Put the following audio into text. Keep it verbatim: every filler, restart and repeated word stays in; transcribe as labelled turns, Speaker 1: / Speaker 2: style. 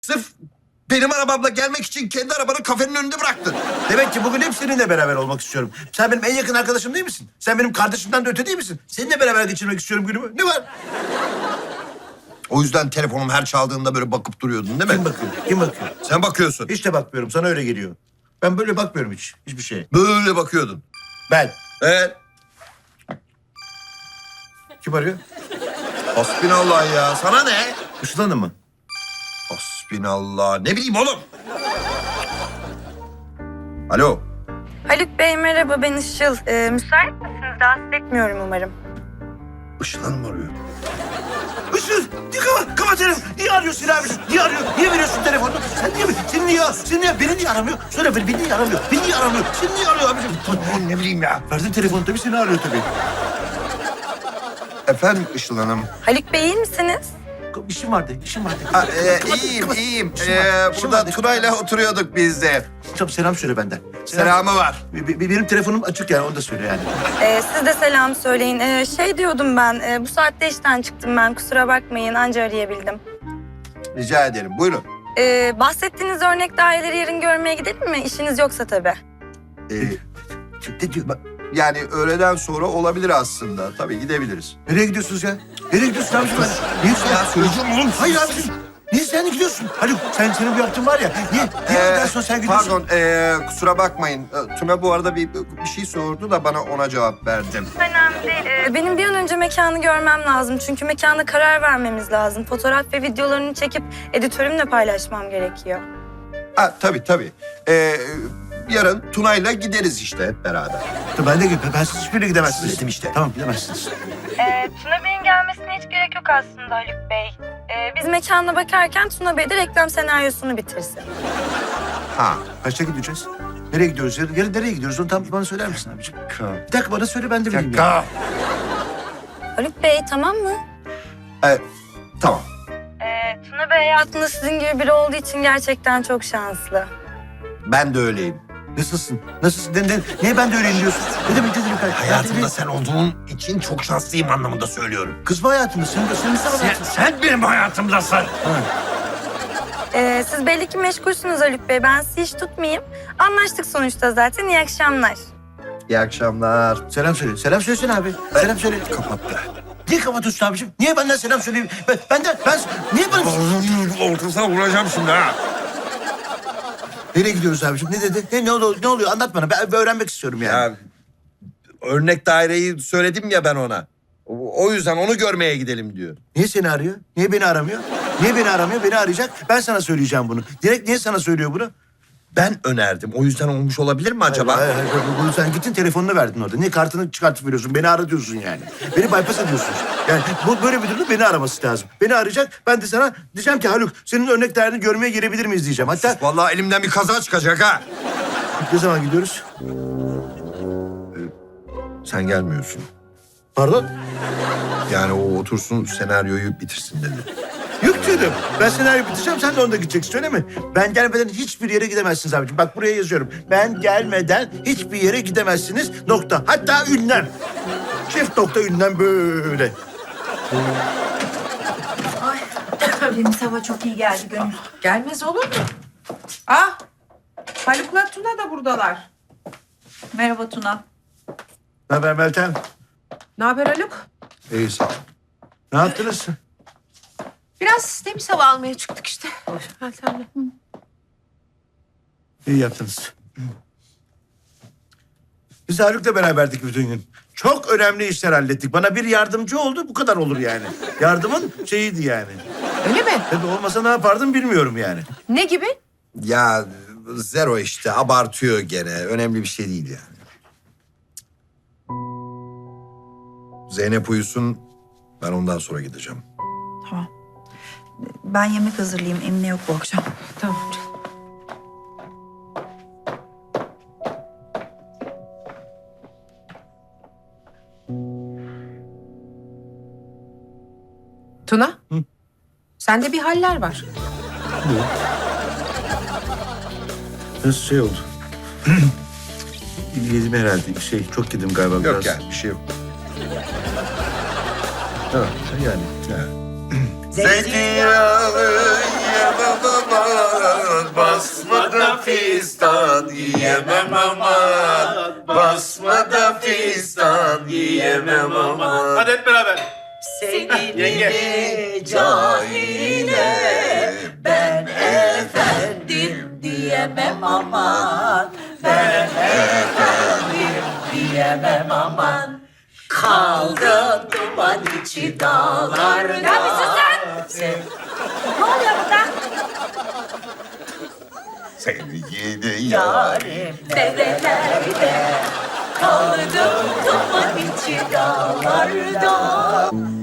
Speaker 1: Sırf benim arabamla gelmek için kendi arabanı kafenin önünde bıraktın.
Speaker 2: Demek ki bugün hep seninle beraber olmak istiyorum. Sen benim en yakın arkadaşım değil misin? Sen benim kardeşimden de öte değil misin? Seninle beraber geçirmek istiyorum günümü. Ne var?
Speaker 1: O yüzden telefonum her çaldığında böyle bakıp duruyordun değil mi?
Speaker 2: Kim bakıyor? Kim bakıyor?
Speaker 1: Sen bakıyorsun.
Speaker 2: Hiç de bakmıyorum. Sana öyle geliyor. Ben böyle bakmıyorum hiç. Hiçbir şeye.
Speaker 1: Böyle bakıyordun.
Speaker 2: Ben.
Speaker 1: Evet.
Speaker 2: Kim arıyor?
Speaker 1: Hasbinallah ya. Sana ne?
Speaker 2: Işıl Hanım mı?
Speaker 1: Hasbinallah. Ne bileyim oğlum. Alo.
Speaker 3: Haluk Bey merhaba, ben Işıl. Ee, müsait misiniz? Rahatsız etmiyorum umarım.
Speaker 1: Işıl Hanım arıyor.
Speaker 2: Işıl! Niye kapat? Kapat telefonu. Niye arıyorsun abiciğim? Niye arıyor? Niye veriyorsun telefonunu? Sen niye? Sen niye? Sen niye? Beni niye aramıyor? Söyle beni. Beni niye aramıyor? Beni niye aramıyor? Sen niye arıyor abiciğim?
Speaker 1: Oğlum ne bileyim ya.
Speaker 2: Verdin telefonu tabii seni arıyor tabii.
Speaker 1: Efendim Işıl Hanım.
Speaker 3: Haluk Bey iyi misiniz?
Speaker 2: İşim vardı, işim vardı.
Speaker 1: Ha, e,
Speaker 2: Kapat,
Speaker 1: iyiyim,
Speaker 2: kapat.
Speaker 1: iyiyim.
Speaker 2: İşim
Speaker 1: Ee,
Speaker 2: var, işim
Speaker 1: burada
Speaker 2: var.
Speaker 1: Tuna'yla oturuyorduk biz de.
Speaker 2: Tamam selam söyle benden.
Speaker 1: Selamı var.
Speaker 2: Be- be- Benim telefonum açık yani onu da söyle yani.
Speaker 3: Ee, siz de selam söyleyin. Ee, şey diyordum ben, e, bu saatte işten çıktım ben. Kusura bakmayın, anca arayabildim.
Speaker 1: Rica ederim. Buyurun.
Speaker 3: Ee, bahsettiğiniz örnek daireleri yarın görmeye gidelim mi? İşiniz yoksa tabii.
Speaker 1: Ee,
Speaker 2: Ne diyor? Bak,
Speaker 1: yani öğleden sonra olabilir aslında. Tabii gidebiliriz.
Speaker 2: nereye gidiyorsunuz ya? Nereye gidiyorsun abiciğim? Niye sen?
Speaker 1: Ya söyleyeceğim oğlum.
Speaker 2: Hayır abiciğim. Niye sen gidiyorsun? Haluk sen senin bu yaptığın var ya. Niye? Niye
Speaker 1: Ee,
Speaker 2: öğleden sonra sen gidiyorsun?
Speaker 1: Pardon, ee, kusura bakmayın. Ee, Tuna bu arada bir, bir şey sordu da bana ona cevap verdim.
Speaker 3: Önemli değil. Ee, benim bir an önce mekanı görmem lazım. Çünkü mekana karar vermemiz lazım. Fotoğraf ve videolarını çekip editörümle paylaşmam gerekiyor.
Speaker 1: Ha, tabii tabii. Ee, yarın Tuna'yla gideriz işte hep beraber.
Speaker 2: Dur, Ben de gideyim. Ben siz hiçbirine gidemezsiniz.
Speaker 1: Dedim işte.
Speaker 2: Tamam gidemezsiniz.
Speaker 3: Ee, Tuna Bey'in gelmesine hiç gerek yok aslında Haluk Bey. Ee, biz mekana bakarken Tuna Bey de reklam senaryosunu bitirsin.
Speaker 1: Ha.
Speaker 2: Kaçta gideceğiz? Nereye gidiyoruz? Yarın, yarın nereye gidiyoruz? Onu tam bana söyler misin abiciğim? Bir dakika bana söyle ben de bileyim. ya.
Speaker 1: Dakika.
Speaker 3: Haluk Bey tamam mı?
Speaker 1: Evet, tamam.
Speaker 3: Ee, Tuna Bey hayatında sizin gibi biri olduğu için gerçekten çok şanslı.
Speaker 1: Ben de öyleyim.
Speaker 2: Nasılsın? Nasılsın? Ne, ne, niye ben de öyleyim diyorsun? Ne demek ne demek?
Speaker 1: Hayatımda sen olduğun için çok şanslıyım anlamında söylüyorum.
Speaker 2: Kız mı hayatımda? Sen de sen de
Speaker 1: Sen, sen benim hayatımdasın.
Speaker 3: Ee, siz belli ki meşgulsünüz Haluk Bey. Ben sizi hiç tutmayayım. Anlaştık sonuçta zaten. İyi akşamlar.
Speaker 1: İyi akşamlar.
Speaker 2: Selam söyle. Selam söylesene abi. Selam söyle.
Speaker 1: Kapattı.
Speaker 2: Niye kapatıyorsun abiciğim? Niye benden selam söyleyeyim? Ben, benden, ben, niye bana...
Speaker 1: Ortasına vuracağım şimdi ha.
Speaker 2: Nereye gidiyoruz abiciğim? Ne dedi? Ne, ne, oluyor, ne oluyor? Anlat bana. Ben, ben öğrenmek istiyorum yani.
Speaker 1: Ya, örnek daireyi söyledim ya ben ona. O, o yüzden onu görmeye gidelim diyor.
Speaker 2: Niye seni arıyor? Niye beni aramıyor? Niye beni aramıyor? Beni arayacak. Ben sana söyleyeceğim bunu. Direkt niye sana söylüyor bunu?
Speaker 1: Ben önerdim. O yüzden olmuş olabilir mi acaba?
Speaker 2: Hayır, hayır, hayır. Bunu sen gittin telefonunu verdin orada. Niye kartını çıkartıp veriyorsun? Beni ara diyorsun yani. Beni bypass ediyorsun. Yani bu böyle bir durumda beni araması lazım. Beni arayacak. Ben de sana diyeceğim ki Haluk senin örnek değerini görmeye gelebilir miyiz diyeceğim. Hatta
Speaker 1: Vallahi elimden bir kaza çıkacak ha.
Speaker 2: ne zaman gidiyoruz?
Speaker 1: Sen gelmiyorsun.
Speaker 2: Pardon?
Speaker 1: Yani o otursun senaryoyu bitirsin dedi.
Speaker 2: Yok canım. Ben senaryo bitireceğim, sen de onda gideceksin öyle mi? Ben gelmeden hiçbir yere gidemezsiniz abiciğim. Bak buraya yazıyorum. Ben gelmeden hiçbir yere gidemezsiniz. Nokta. Hatta ünlem. Çift nokta ünlem böyle.
Speaker 4: Ay, temiz hava çok iyi geldi Gönül. Gelmez olur mu? Ah, Haluk'la Tuna da buradalar. Merhaba Tuna.
Speaker 2: Ne haber Meltem?
Speaker 4: Ne haber Haluk?
Speaker 2: İyisin. Ne yaptınız?
Speaker 4: Biraz temiz hava almaya çıktık işte. Meltem'le.
Speaker 2: İyi yaptınız. Biz Haluk'la beraberdik bütün gün. Çok önemli işler hallettik. Bana bir yardımcı oldu, bu kadar olur yani. Yardımın şeyiydi yani.
Speaker 4: Öyle mi?
Speaker 2: Tabii olmasa ne yapardım bilmiyorum yani.
Speaker 4: Ne gibi?
Speaker 1: Ya zero işte abartıyor gene. Önemli bir şey değil yani. Zeynep uyusun. Ben ondan sonra gideceğim.
Speaker 5: Tamam. Ben yemek hazırlayayım. Emine yok bu akşam.
Speaker 4: Tamam. Tuna?
Speaker 2: Hı?
Speaker 4: Sende bir haller var.
Speaker 2: Nasıl şey oldu? Yedim herhalde. Şey çok yedim galiba biraz.
Speaker 1: Yok ya bir şey yok.
Speaker 2: Ha, yani.
Speaker 1: Zeytinyağlı yiyemem aman. Basmada fistan yiyemem aman. Basmada fistan yiyemem aman.
Speaker 6: Hadi hep beraber.
Speaker 7: Seni
Speaker 6: Yenge.
Speaker 7: cahile ben efendim diyemem aman. Ben efendim diyemem aman. Kaldım duman içi dağlarda.
Speaker 3: Ya bir sus sen! Ne oluyor burada?
Speaker 1: Seni yedi
Speaker 7: Yarim derelerde kaldım duman içi dağlarda.